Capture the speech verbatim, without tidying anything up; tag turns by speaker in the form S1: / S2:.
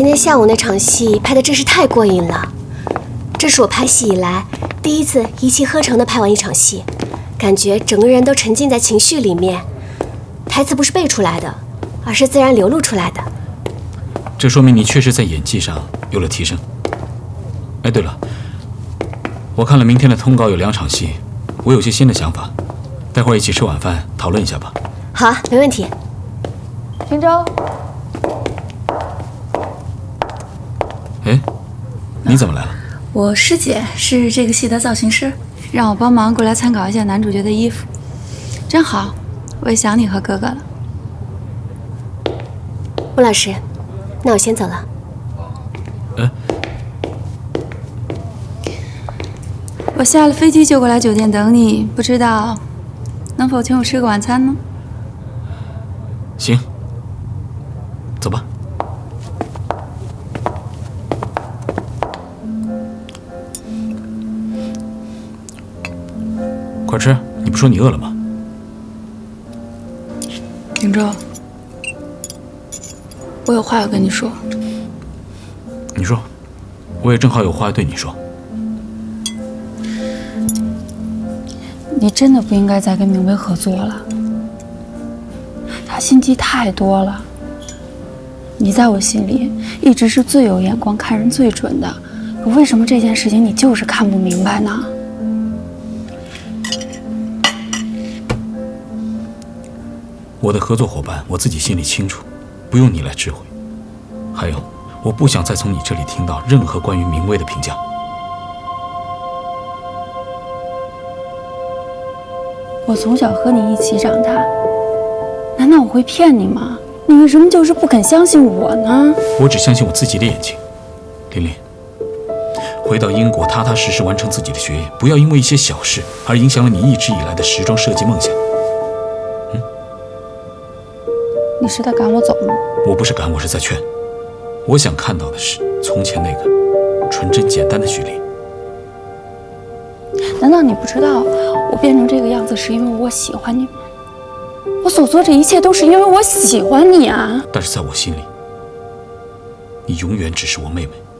S1: 今天下午那场戏拍的真是太过瘾了，这是我拍戏以来第一次一气呵成的拍完一场戏，感觉整个人都沉浸在情绪里面，台词不是背出来的，而是自然流露出来的。
S2: 这说明你确实在演技上有了提升。哎，对了，我看了明天的通稿有两场戏，我有些新的想法，待会儿一起吃晚饭讨论一下吧。
S1: 好啊，没问题。
S3: 秦州，
S2: 哎，你怎么来了？
S3: 我师姐是这个戏的造型师，让我帮忙过来参考一下男主角的衣服。真好，我也想你和哥哥了。
S1: 吴老师，那我先走了。
S2: 哎，
S3: 我下了飞机就过来酒店等你，不知道能否请我吃个晚餐呢？
S2: 行，走吧。快吃，你不说你饿了吗？
S3: 秦州，我有话要跟你说。
S2: 你说，我也正好有话要对你说。
S3: 你真的不应该再跟明威合作了，他心机太多了。你在我心里一直是最有眼光、看人最准的，可为什么这件事情你就是看不明白呢？
S2: 我的合作伙伴，我自己心里清楚，不用你来指挥。还有，我不想再从你这里听到任何关于明威的评价。
S3: 我从小和你一起长大，难道我会骗你吗？你为什么就是不肯相信我呢？
S2: 我只相信我自己的眼睛。琳琳，回到英国，踏踏实实完成自己的学业，不要因为一些小事而影响了你一直以来的时装设计梦想。嗯？
S3: 你是在赶我走吗？
S2: 我不是赶，我是在劝。我想看到的是从前那个纯真简单的许琳。
S3: 难道你不知道我变成这个样子是因为我喜欢你吗？我所做这一切都是因为我喜欢你啊！
S2: 但是在我心里，你永远只是我妹妹。